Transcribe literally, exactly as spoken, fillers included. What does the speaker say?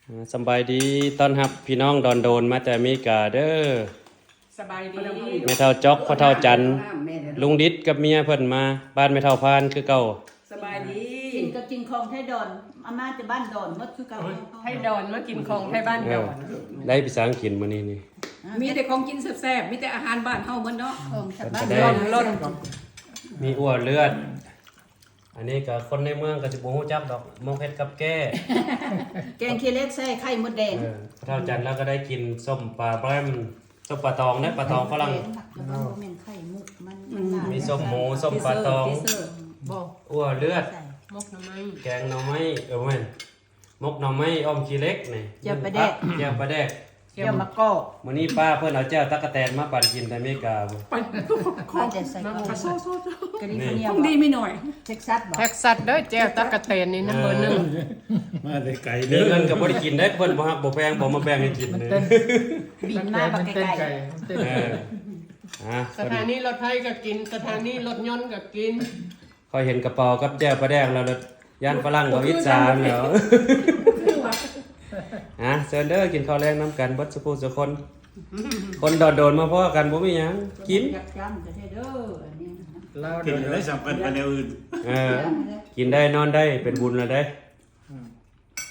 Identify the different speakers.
Speaker 1: สบายดีต้อนรับพี่น้องดอนโดนมาแต่อเมริกาเด้อ
Speaker 2: สบายดี
Speaker 1: แม่เฒ่าจอกพ่อเฒ่าจันลุงดิษกับเมียเพิ่นมาบ้านแม่เฒ่าพานคือเก่า
Speaker 2: สบายดี
Speaker 3: กินก็กินของไทยดอนอาม่าจะบ้านดอนหมดคือเก่า
Speaker 2: ให้ดอนมากินของให้บ้านดอน
Speaker 1: ได้ภาษาอังกฤษมื้อนี้นี่
Speaker 2: มีแต่ของกินแซ่บๆมีแต่อาหารบ้านเฮาเหมือนเนาะ
Speaker 3: ของชาวบ้าน
Speaker 2: ร้อนร้อน
Speaker 1: มีอ้วนเลือดอันนี้ก็คนในเมืองก็สิบ่ฮู้จักดอกหมกเฮ็ดกับแก้
Speaker 3: แกงขี้เล็กใส่ไข่มดแดง
Speaker 1: เออพ่อเฒ่าจันแล้วก็ได้กินส้มปลาแบรมส้มปลาตองนะปลาตองฝรั่ง
Speaker 3: มันไข่มุกมัน
Speaker 1: มีส้มหมูส้มปลาตอง
Speaker 2: บอก
Speaker 1: อ้วนเลือด
Speaker 2: มกหน่อไม้
Speaker 1: แกงหน่อไม้เออแม่นมกหน่อไม้อ้อมขี้เล็กนี่แจ่วปลาแดกแจ่วปลาแดก
Speaker 3: เกี่ยวมะกอก
Speaker 1: มื้อนี้ป้าเพิ่นเอาแจ่วตั๊กแตนมาปั่นกินที่อเมริกาบ่
Speaker 2: ไปขอ
Speaker 3: มาแต่ใส่กอก
Speaker 2: โซโซ
Speaker 3: กะดิฟเนีย
Speaker 2: ต้องดีไม่หน่อย
Speaker 3: เท็กซัสบอก
Speaker 2: แท็กซัสเด้อแจ้วตะกะแตนนี่นะเบอร์หนึ่ง
Speaker 4: มาได้ไกล
Speaker 1: มี
Speaker 4: เด้อ
Speaker 1: เงินก็บ่ได้กินได้เพิ่นบ่ฮักบ่แพงบ่มาแบ่งให้กินเลย
Speaker 3: บินมาบักไก่
Speaker 1: เอออ่ะ
Speaker 2: สถานีรถไฟก็กินสถานีรถยนต์ก็กิน
Speaker 1: ค่อยเห็นกระเป๋ากับแจ่วปลาแดกแล้วย่านฝรั่งก็อิจฉาแล้วอ่ะเชิญเด้อกินข้าวแรงนํกันเบิดสุผู้สุคนคนโดดๆมาพ้อกันบ่มีหยังกิน
Speaker 3: ยักย้ำจะได้เด้ออันนี้
Speaker 4: กินได้สำคัญไปแนวอื่น
Speaker 1: เออกินได้นอนได้เป็นบุญแล้วได้